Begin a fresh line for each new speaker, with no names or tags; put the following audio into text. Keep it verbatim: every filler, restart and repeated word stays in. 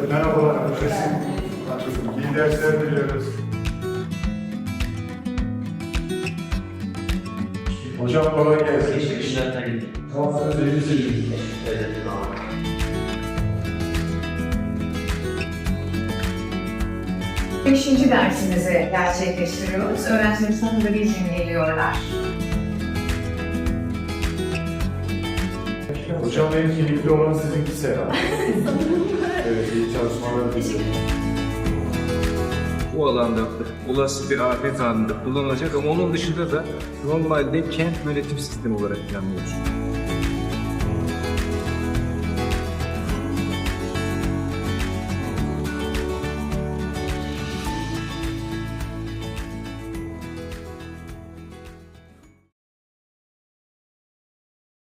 Merhabalar, resim. İyi dersler diliyoruz. Hocam kolay gelsin.
Teşekkürler tabii.
Tamam, iyi
Teşekkür ederim.
Beşinci dersimizi gerçekleştiriyoruz. Öğrencilerimiz sonunda bir gün geliyorlar.
Hocam en keyifli olan sizinkisi herhalde. Evet, iyi çalışmalar diliyorum.
Bu alanda olası bir afet anında kullanılacak ama onun dışında da normalde kent yönetim sistemi olarak planlıyoruz.